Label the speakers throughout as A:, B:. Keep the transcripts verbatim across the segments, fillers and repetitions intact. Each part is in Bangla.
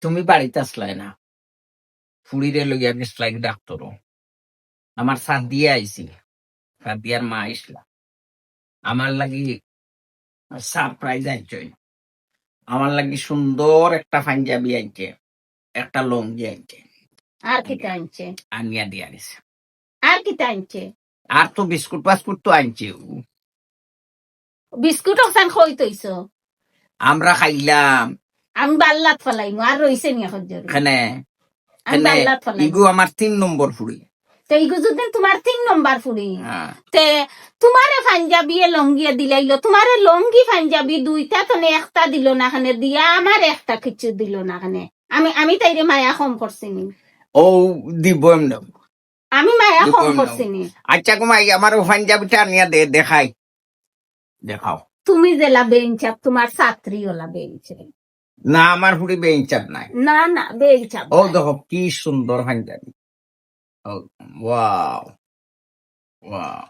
A: তুমি বাড়িতে আসলাই না, ফুড়িরে লইয়া গেছলাই ডাক্তারও। আমার সাদিয়া আইছি, সাদিয়ার মা আইসলা। আমার লাগি সারপ্রাইজ আইছে। আমার লাগি সুন্দর একটা পাঞ্জাবি আইছে, একটা লঙ্গি আইছে।
B: আর কি আনছে?
A: আনিয়া দিয়া দিছে।
B: আর কি আনছে?
A: আর তো বিস্কুট পাসকুট তো আনছে।
B: বিস্কুট ওখান খই তৈছ,
A: আমরা খাইলাম।
B: আমি বাল্লাত ফলাইম আর রইছে নি এখন জরুরি।
A: এখানে
B: আমি বাল্লাত ফলাইম।
A: ইগু আমার তিন নম্বর ফুড়ি।
B: তো ইগু যদি তোমার তিন নম্বর ফুড়ি,
A: হ্যাঁ।
B: তে তোমারে পাঞ্জাবি লঙ্গিয়ে দিলাইলো, তোমারে লঙ্গি পাঞ্জাবি দুইটা তো একটা দিল না খানে দিয়া, আমার একটা কিছু দিল না খানে। আমি আমি তাইরে মায়া কম করছি নি।
A: ও দিব এমন।
B: আমি মায়া কম করছি নি।
A: আচ্ছা কুমাই আমার পাঞ্জাবিটা আনিয়া দে, দেখাই দেখাও।
B: তুমি জেলা বেঞ্চাপ, তোমার ছাত্রী ওলা বেঞ্চে
A: না, আমার ফুড়ি বেঞ্চাপ নাই।
B: না না বেঞ্চাপ।
A: ও দেখো কি সুন্দর পাঞ্জাবি। ও ওয়াও ওয়াও।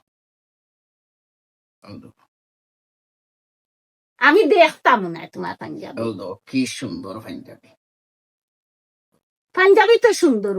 A: ও দেখো,
B: আমি দেখতাম না তোমার পাঞ্জাবি।
A: ও দেখো কি সুন্দর পাঞ্জাবি।
B: পাঞ্জাবি তো সুন্দর।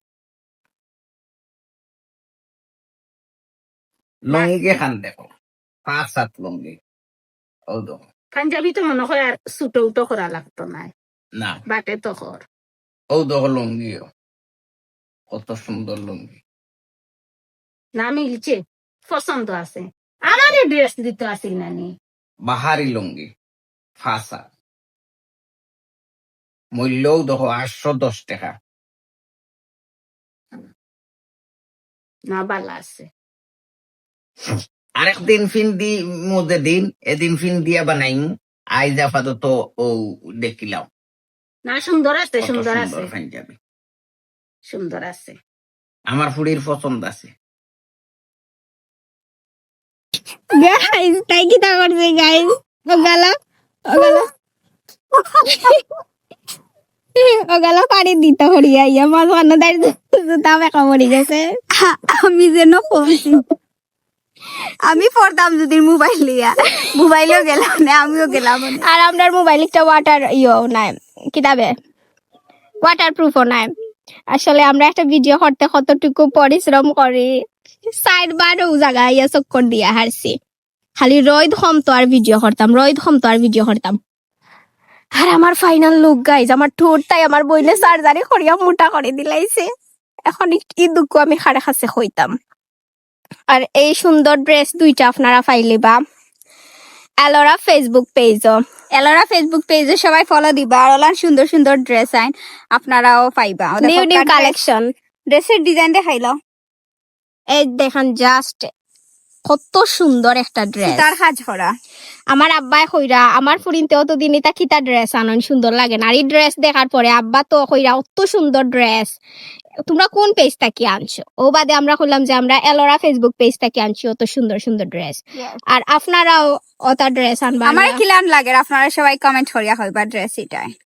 A: লঙ্গি খান দেখো, পাঁচ সাত লঙ্গি। ও দেখো,
B: পাঞ্জাবি তো মনে হয় আর ছুটো উটো করা লাগতো না,
A: না
B: বাটে তো কর।
A: ও দেখো লঙ্গিও কত সুন্দর লঙ্গি।
B: না মিলছে, পছন্দ আছে। আমার ড্রেস দিতে আসিল না নি।
A: বাহারি লঙ্গি ফাঁসা, মূল্যও দেখো আটশো দশ টাকা।
B: না বালা আছে।
A: আরেকদিন ফিন দি মধ্যে দিন, এদিন ফিন দিয়া বানাইম। আইজ আপাতত ও দেখিলাম।
B: না সুন্দর আছে,
A: কত
B: সুন্দর আছে,
A: সুন্দর পাঞ্জাবি।
B: সুন্দর আছে।
A: আমার ফুড়ির পছন্দ আছে।
C: গাইস তাই কি তা করছে গাইস, ও গালা ও গালা ও গালা পানি দিতে হরিয়া ইয়া মাছ বানো দাই দাম একা মরি গেছে। আমি যেন কমছি, আমি পড়তাম যদি মোবাইল লিয়া, মোবাইলও গেলাম না, আমিও গেলাম। আর আমরার মোবাইল একটা ওয়াটার ইও নাই, কিতাবে ওয়াটার প্রুফও নাই। আসলে আমরা একটা ভিডিও করতে কতটুকু পরিশ্রম করি, সাইড বারও জায়গা ইয়া চক্কর দিয়া হারছি। খালি রোদ কমতো আর ভিডিও করতাম, রোদ কমতো আর ভিডিও করতাম। আর আমার ফাইনাল লুক গাইজ, আমার ঠোঁটটাই আমার বইলে সার্জারি করিয়া মোটা করে দিলাইছে। এখন ই দুঃখ আমি খাড়ে খাসে হইতাম। আর এই সুন্দর ড্রেস দুইটা আপনারা পাইলিবা এলোরা ফেসবুক পেজও, এলোরা ফেসবুক পেজে সবাই ফলো দিবা। আর ওলার সুন্দর সুন্দর ড্রেস আইন আপনারাও পাইবা, নিউ নিউ কালেকশন। ড্রেসের ডিজাইন দেখাইলো, এই দেখেন জাস্ট কত সুন্দর একটা ড্রেস, তার কাজ করা। আমার আব্বাই কইরা আমার ফুরিনতেও তো দিন এটা কিতা ড্রেস আনন সুন্দর লাগে না। আর এই ড্রেস দেখার পরে আব্বা তো কইরা অত সুন্দর ড্রেস তোমরা কোন পেজ থেকে আনছো। ও বাদে আমরা কইলাম যে আমরা এলোরা ফেসবুক পেজ থেকে আনছি অত সুন্দর সুন্দর ড্রেস। আর আপনারাও অতা ড্রেস আনবা। আমার কিলান লাগে আপনারা সবাই কমেন্ট করিয়া হইবা ড্রেস এটাই।